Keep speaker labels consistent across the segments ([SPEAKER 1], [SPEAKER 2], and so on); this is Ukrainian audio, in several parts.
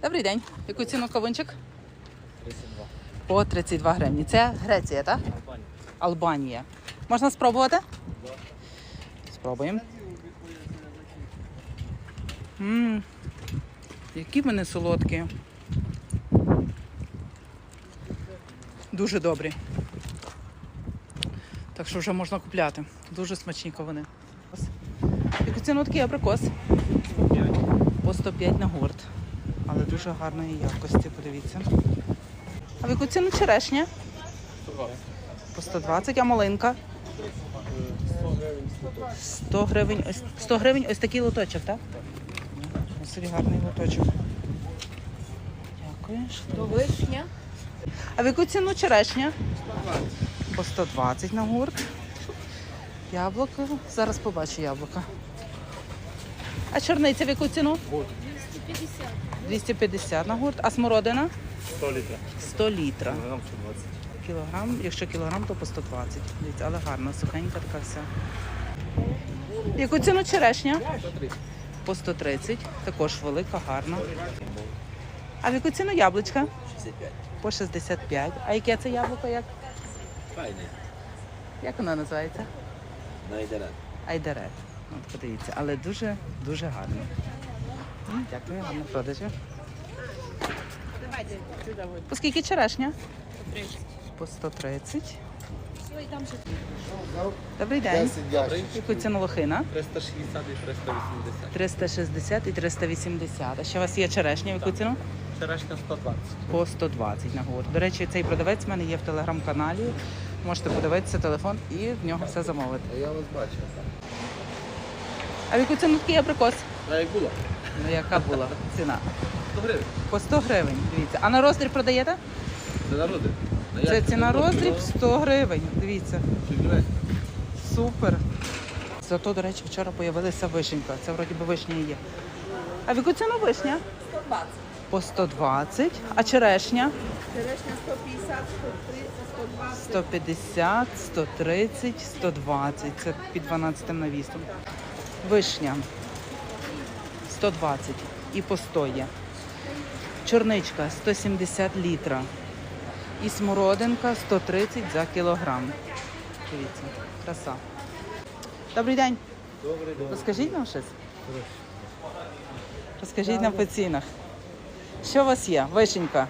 [SPEAKER 1] Добрий день. Яку ціну кавунчик?
[SPEAKER 2] 32.
[SPEAKER 1] По 32 гривні. Це Греція, так?
[SPEAKER 2] Албанія.
[SPEAKER 1] Албанія. Можна спробувати? Спробуємо. Які вони солодкі. Дуже добрі. Так що вже можна купляти. Дуже смачні кавуни. Яку ціну такий абрикос?
[SPEAKER 2] 105.
[SPEAKER 1] По 105 на гурт. Але дуже гарної якості, подивіться. А в яку ціну черешня?
[SPEAKER 2] 120.
[SPEAKER 1] По 120, а малинка?
[SPEAKER 2] 100 гривень 100.
[SPEAKER 1] 100 гривень ось такий лоточок, так? Ось гарний лоточок. Дякую.
[SPEAKER 3] То вишня.
[SPEAKER 1] А в яку ціну черешня?
[SPEAKER 2] 120.
[SPEAKER 1] По 120 на гурт. Яблуко. Зараз побачу яблука. А чорниця в яку ціну?
[SPEAKER 3] 250.
[SPEAKER 1] 250 на гурт. А смородина?
[SPEAKER 2] 100 літрів.
[SPEAKER 1] 100 літра.
[SPEAKER 2] Кілограм 120.
[SPEAKER 1] Кілограм, якщо кілограм, то по 120. Дивіться, але гарна, сухенька така вся. В яку ціну черешня?
[SPEAKER 2] 130.
[SPEAKER 1] По 130. Також велика, гарна. А в яку ціну яблучка?
[SPEAKER 2] 65.
[SPEAKER 1] По 65. А яке це яблуко?
[SPEAKER 2] Файний.
[SPEAKER 1] Як воно називається?
[SPEAKER 2] Найдерет.
[SPEAKER 1] Айдарет. От подивіться, але дуже гарно. Дякую, гарно продажі. По скільки черешня?
[SPEAKER 3] 30.
[SPEAKER 1] По 130.
[SPEAKER 3] Все, і там ще.
[SPEAKER 1] Добрий день.
[SPEAKER 2] Добрий.
[SPEAKER 1] Яку ціну лохина?
[SPEAKER 2] 360 і 380.
[SPEAKER 1] 360 і 380. А ще у вас є черешня, в яку ціну?
[SPEAKER 2] Черешня 120.
[SPEAKER 1] По 120 на гурт. До речі, цей продавець в мене є в телеграм-каналі. Можете подивитися телефон і в нього все замовити.
[SPEAKER 2] А я вас бачив.
[SPEAKER 1] А в яку ціну такий абрикос?
[SPEAKER 2] А як було?
[SPEAKER 1] Ну яка була ціна?
[SPEAKER 2] 100 гривень.
[SPEAKER 1] По 100 гривень, дивіться. А на роздріб продаєте?
[SPEAKER 2] Це народи.
[SPEAKER 1] Це ціна роздріб 100 гривень, дивіться. Супер. Зато, до речі, вчора з'явилася вишенька. Це вроді би вишня і є. А в яку ціну вишня?
[SPEAKER 3] 120.
[SPEAKER 1] По 120. А черешня?
[SPEAKER 3] Черешня 150, 130, 120.
[SPEAKER 1] 150, 130, 120. Це під 12 навісом. Вишня 120 і по 100 є. Чорничка 170 літра. І смородинка 130 за кілограм. Дивіться, краса. Добрий день.
[SPEAKER 2] Добрий день.
[SPEAKER 1] Розкажіть нам щось. Розкажіть нам по цінах. Що у вас є? Вишенька.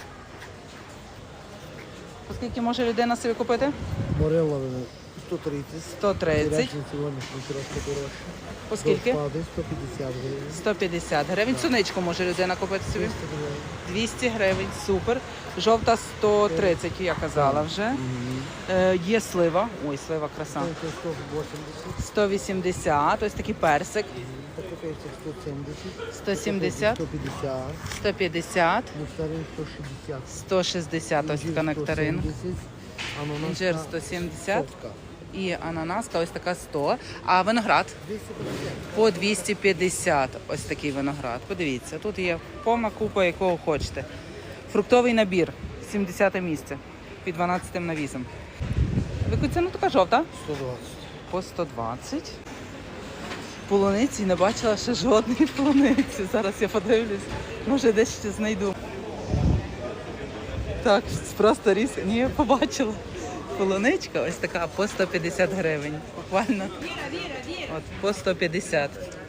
[SPEAKER 1] Оскільки може людина собі купити?
[SPEAKER 4] Морелла 130.
[SPEAKER 1] 130.
[SPEAKER 4] Черешня сьогоднішній трошки дорожче.
[SPEAKER 1] Оскільки?
[SPEAKER 4] Розпади 150 гривень.
[SPEAKER 1] 150 гривень. Суничку може людина купити собі?
[SPEAKER 4] 200 гривень.
[SPEAKER 1] 200 гривень, супер. Жовта 130, я казала вже. Є слива. Ой, слива краса.
[SPEAKER 4] Це 180.
[SPEAKER 1] 180, ось такий персик.
[SPEAKER 4] Такий персик 170.
[SPEAKER 1] 170,
[SPEAKER 4] 150.
[SPEAKER 1] 150,
[SPEAKER 4] Нектарин 160.
[SPEAKER 1] 160, ось така нектарин.
[SPEAKER 4] 170. Ананаска
[SPEAKER 1] Інжир 170
[SPEAKER 4] сотка.
[SPEAKER 1] і ананаска ось така 100. А виноград
[SPEAKER 4] 250.
[SPEAKER 1] по 250, ось такий виноград. Подивіться, тут є повна купа, якого хочете. Фруктовий набір, 70 місце, під 12 навісом. В яку ціну така жовта?
[SPEAKER 4] 120.
[SPEAKER 1] По 120. Полуниці не бачила ще жодної полуниці. Зараз я подивлюсь, може десь ще знайду. Так, просто різ. Ні, я побачила. Полуничка ось така по 150 гривень. Буквально. От, по 150.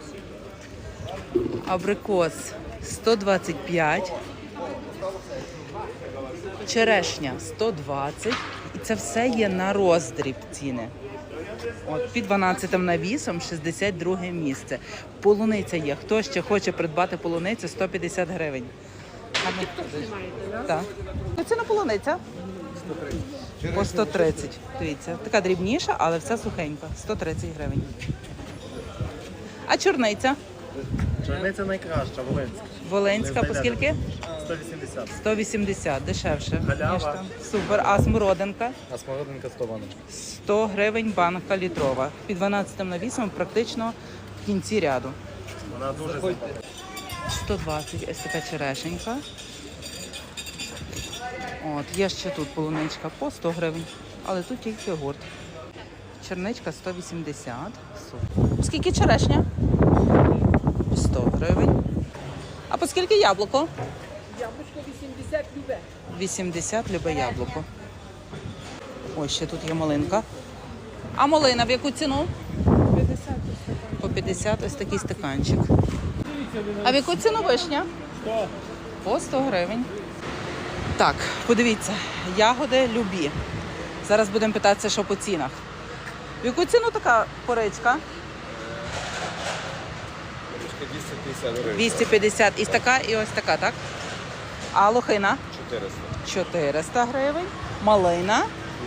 [SPEAKER 1] Абрикос 125. Черешня 120. І це все є на роздріб ціни. От, під 12 навісом 62 місце. Полуниця є. Хто ще хоче придбати полуницю, 150 гривень. Так. Ціна полуниця? По 130. Дивіться, така дрібніша, але вся сухенька. 130 гривень. А чорниця?
[SPEAKER 2] Чорниця найкраща, Волинська.
[SPEAKER 1] Волинська, по скільки?
[SPEAKER 2] 180.
[SPEAKER 1] 180, дешевше.
[SPEAKER 2] Халява.
[SPEAKER 1] ніж там. Супер. А смородинка?
[SPEAKER 2] А смородинка 100 баночок.
[SPEAKER 1] 100 гривень банка літрова. Під 12 навісом практично в кінці ряду.
[SPEAKER 2] Вона дуже симпатична.
[SPEAKER 1] 120, ось така черешенька. От, є ще тут полуничка по 100 гривень, але тут тільки гурт. Черничка 180. Супер. Скільки черешня? 100 гривень. А по скільки скільки яблуко?
[SPEAKER 3] Яблучко 80 любе.
[SPEAKER 1] 80 любе яблуко. Ось ще тут є малинка. А малина в яку ціну?
[SPEAKER 3] 50
[SPEAKER 1] По 50 ось такий стаканчик. А в яку ціну вишня? 100. По 100 гривень. Так, подивіться, ягоди любі. Зараз будемо питатися, що по цінах. В яку ціну така поричка?
[SPEAKER 2] 250 гривень.
[SPEAKER 1] 250. І така, і ось така, так? А лохина?
[SPEAKER 2] 400.
[SPEAKER 1] 400 гривень. Малина?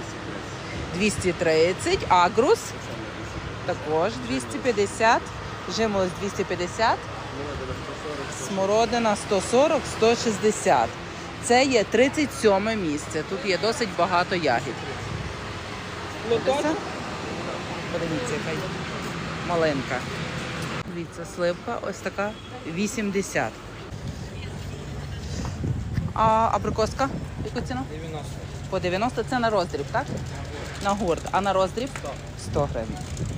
[SPEAKER 1] 230. Агрус? Також 250. Жимолость 250. Смородина 140, 160. Це є 37 місце. Тут є досить багато ягід. Подивіться, яка є малинка. Дивіться, сливка ось така 80. А абрикоска? Яку ціну?
[SPEAKER 2] 90.
[SPEAKER 1] По 90 це на роздріб, так? На гурт. А на роздріб? 100 гривень.